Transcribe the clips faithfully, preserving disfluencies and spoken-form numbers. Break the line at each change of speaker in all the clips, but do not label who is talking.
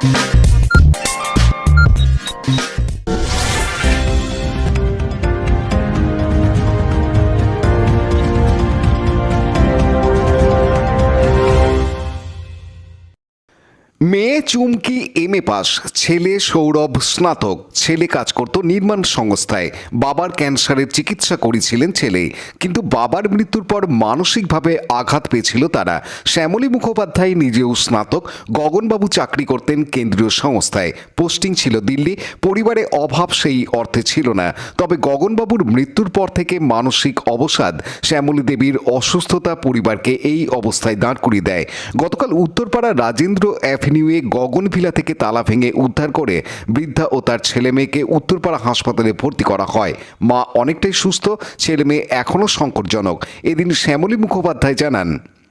মেয়ে চুমকি M A pass, ছেলে সৌরভ স্নাতক। ছেলে কাজ করত নির্মাণ সংস্থায়। বাবার ক্যান্সারের চিকিৎসা করেছিলেন ছেলে, কিন্তু বাবার মৃত্যুর পর মানসিকভাবে আঘাত পেয়েছিল তারা। শ্যামলী মুখোপাধ্যায় নিজেও স্নাতক। গগনবাবু চাকরি করতেন কেন্দ্রীয় সংস্থায়, পোস্টিং ছিল দিল্লি। পরিবারে অভাব সেই অর্থে ছিল না, তবে গগনবাবুর মৃত্যুর পর থেকে মানসিক অবসাদ, শ্যামলী দেবীর অসুস্থতা পরিবারকে এই অবস্থায় দাঁড় করিয়ে দেয়। গতকাল উত্তরপাড়া রাজেন্দ্র অ্যাভিনিউয়ে গগনভিলা থেকে তালা ভেঙে উদ্ধার করে বৃদ্ধা ও তার ছেলে মেয়েকে উত্তরপাড়া হাসপাতালে ভর্তি করা হয়। মা অনেকটাই সুস্থ, ছেলে মেয়ে এখনও সংকটজনক। এদিন শ্যামলী মুখোপাধ্যায় জানান,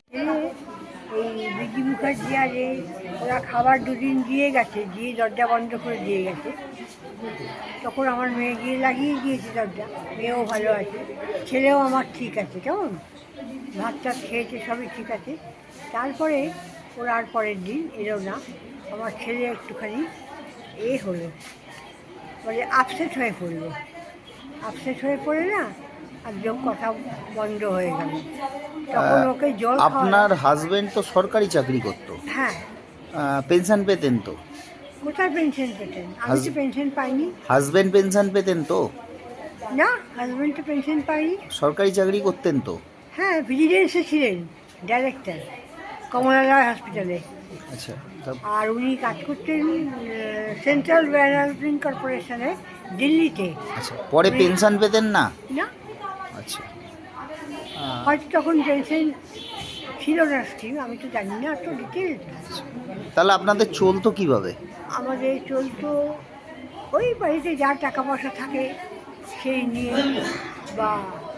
বিজি মুখার্জি আরে ওরা খাবার দুদিন দিয়ে গেছে, দিয়ে দরজা বন্ধ করে দিয়ে গেছে। তখন আমার মেয়ে গিয়ে লাগিয়ে দিয়েছে দরজা। মেয়েও ভালো আছে, ছেলেও আমার ঠিক আছে, কেমন ভাত টাত খেয়েছে, সবই ঠিক আছে। তারপরে ওরা আর পরের দিন এলো না। আমার ছেলে একটুখানি এ হলো, মানে আপসেট হয়ে পড়লো। আপসেট হয়ে পড়ে না একদম কথা বন্ধ হয়ে গেল। তখন ওকে জল।
আপনার হাজবেন্ড তো সরকারি চাকরি করতো?
হ্যাঁ।
পেনশন পেতেন তো?
কোথায় পেনশন পেতেন? আমি তো পেনশন পাইনি।
হাজবেন্ড পেনশন পেতেন তো?
না, হাজবেন্ড তো পেনশন পাইনি।
সরকারি চাকরি করতেন তো?
হ্যাঁ, ভিজিলেন্সে ছিলেন, ডাইরেক্টর কমলালয় হসপিটালে।
আচ্ছা।
আর উনি কাজ করতেন সেন্ট্রাল ডেভেলপমেন্ট কর্পোরেশনে, দিল্লিতে।
আচ্ছা, পরে পেনশন পেতেন না?
না।
আচ্ছা,
হয়তো তখন পেনশন ছিল না স্কিম, আমি তো জানি না তো ডিটেলস।
তাহলে আপনাদের চলতো কিভাবে?
আমাদের চলতো ওই বাড়িতে যার টাকা পয়সা থাকে সেই নিয়ে, বা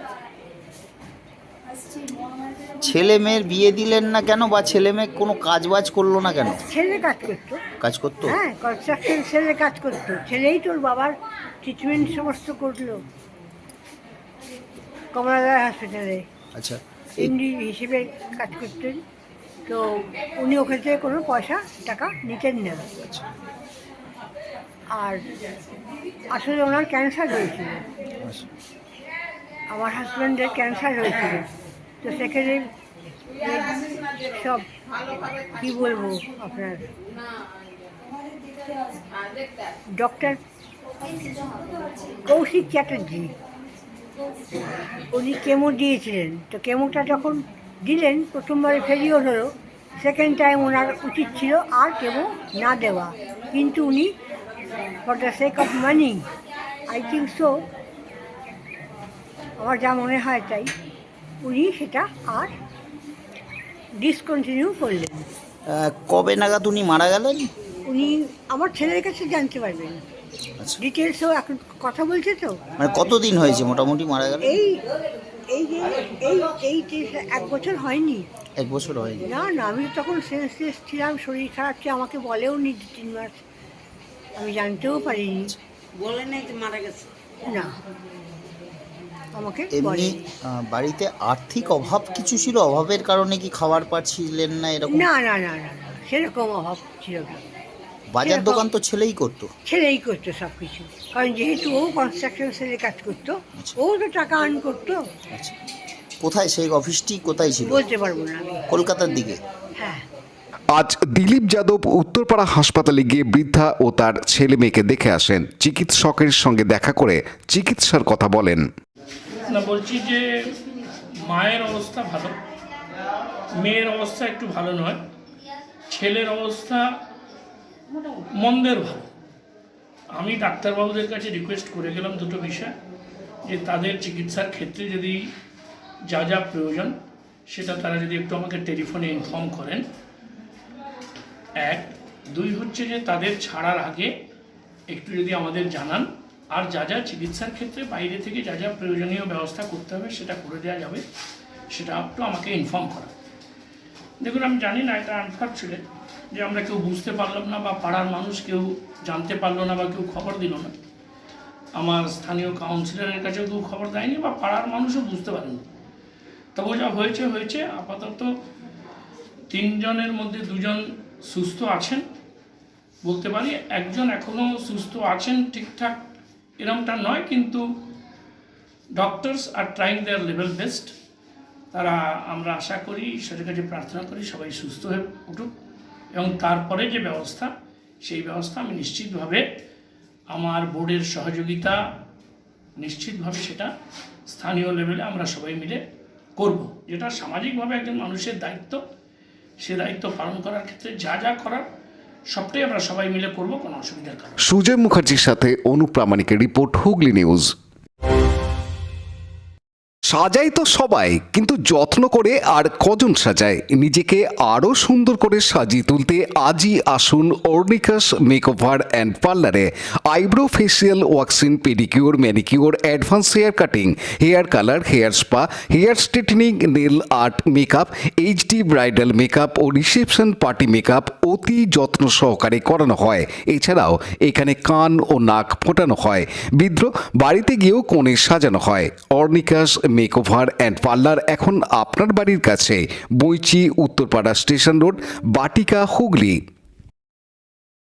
ছেলে মেয়ের বিয়ে দিলেন না কেন, বা ছেলে মেয়ে কোনো কাজ বাজ করলো না কেন?
ছেলে কাজ করতো।
কাজ করতো?
হ্যাঁ, কনস্ট্রাকশন ছেলে কাজ করতো। ছেলেই তোর বাবার ট্রিটমেন্ট সমস্ত করলো কমলালয় হসপিটালে।
আচ্ছা,
এমডি হিসেবে কাজ করতেন। তো উনি ওখান থেকে কোনো পয়সা টাকা নিতেন না। আর আসলে ওনার ক্যান্সার হয়েছিল, আমার হাজব্যান্ডের ক্যান্সার হয়েছিল। তো সেখানে সব কী বলবো, আপনার ডক্টর কৌশিক চ্যাটার্জি উনি কেমো দিয়েছিলেন। তো কেমোটা যখন দিলেন, প্রথমবারে ফেলিওর হলো, সেকেন্ড টাইম ওনার উচিত ছিল আর কেমো না দেওয়া, কিন্তু উনি for the sake of money, I think so, আমার যা মনে হয় তাই, উনি সেটা আর ডিসকন্টিনিউ করলেন।
কবে নাগাদ উনি মারা গেলেন?
উনি আমার ছেলের কাছে জানতে পারবেন, ডিটেলসও এখন কথা বলছে তো।
মানে কতদিন হয়েছে মোটামুটি মারা গেল?
এই এই যে এই এই এক বছর হয়নি।
এক বছর হয়নি?
না না, আমি তখন সেন্সলেস ছিলাম, শরীর খারাপ ছিল, আমাকে বলেও নি দু তিন মাস, আমি জানতেও পারিনি।
বলে নাই যে মারা গেছে?
না, আমাকে
এমনি বাড়িতে আর্থিক অভাব কিছু ছিল? অভাবের কারণে কি খাবার পাচ্ছিলেন না এরকম?
না না না না, সেরকম অভাব ছিল না।
বাজার দোকান তো ছেলেই করতো?
ছেলেই করতো সব কিছু, কারণ যেহেতু ও কনস্ট্রাকশন সেলে কাজ করতো, ও তো টাকা আর্ন করতো।
আচ্ছা, কোথায় সেই অফিসটি কোথায় ছিল?
বলতে পারবো না আমি।
কলকাতার দিকে?
হ্যাঁ।
আজ দিলীপ যাদব উত্তরপাড়া হাসপাতালে গিয়ে বৃদ্ধা ও তার ছেলে মেয়েকে দেখে আসেন। চিকিৎসকের সঙ্গে দেখা করে চিকিৎসার কথা বলেন।
না, বলছি যে মায়ের অবস্থা ভালো, মেয়ের অবস্থা একটু ভালো নয়, ছেলের অবস্থা মন্দের ভালো। আমি ডাক্তারবাবুদের কাছে রিকোয়েস্ট করে গেলাম দুটো বিষয়, যে তাদের চিকিৎসার ক্ষেত্রে যদি যা যা প্রয়োজন সেটা তারা যদি একটু আমাকে টেলিফোনে ইনফর্ম করেন। এক, দুই হচ্ছে যে তাদের ছাড়ার আগে একটু যদি আমাদের জানান, আর যা যা চিকিৎসার ক্ষেত্রে বাইরে থেকে যা যা প্রয়োজনীয় ব্যবস্থা করতে হবে সেটা করে দেওয়া যাবে, সেটা একটু আমাকে ইনফর্ম করা। দেখুন, আমি জানি না, এটা আনফর্চুনেট যে আমরা কেউ বুঝতে পারলাম না, বা পাড়ার মানুষ কেউ জানতে পারলো না, বা কেউ খবর দিল না। আমার স্থানীয় কাউন্সিলরের কাছেও কেউ খবর দেয়নি, বা পাড়ার মানুষও বুঝতে পারেনি। তবু যা হয়েছে হয়েছে। আপাতত তিনজনের মধ্যে দুজন সুস্থ আছেন, বলতে পারি একজন এখনও সুস্থ আছেন ঠিকঠাক এরমটা নয়, কিন্তু ডক্টরস আর ট্রাইং দেয়ার লেভেল বেস্ট। তারা আমরা আশা করি, ঈশ্বরের কাছে প্রার্থনা করি সবাই সুস্থ হয়ে উঠুক, এবং তারপরে যে ব্যবস্থা সেই ব্যবস্থা আমি নিশ্চিতভাবে আমার বোর্ডের সহযোগিতা নিশ্চিতভাবে সেটা স্থানীয় লেভেলে আমরা সবাই মিলে করব, যেটা সামাজিকভাবে একজন মানুষের দায়িত্ব। সে দায়িত্ব পালন করার ক্ষেত্রে যা যা করার সবটাই আমরা সবাই মিলে করব, কোনো অসুবিধার কারণ।
সুজয় মুখার্জির সাথে অনুপ্রামাণিকের রিপোর্ট, হুগলি নিউজ। সাজাই তো সবাই, কিন্তু যত্ন করে আর কজন সাজায়? নিজেকে আরও সুন্দর করে সাজিয়ে তুলতে আজই আসুন অর্নিকাস মেকওভার অ্যান্ড পার্লারে। Eyebrow, facial, waxing, pedicure, manicure, advance hair cutting, hair colour, hair spa, hair straightening, nail art, makeup, HD bridal makeup ও রিসেপশন পার্টি মেকআপ অতি যত্ন সহকারে করানো হয়। এছাড়াও এখানে কান ও নাক ফোটানো হয়, বিদ্রোহ বাড়িতে গিয়েও কোণে সাজানো হয়। অর্নিকাস মেকওভার অ্যান্ড পার্লার এখন আপনার বাড়ির কাছে, বইচি, উত্তরপাড়া স্টেশন রোড, বাটিকা, হুগলি।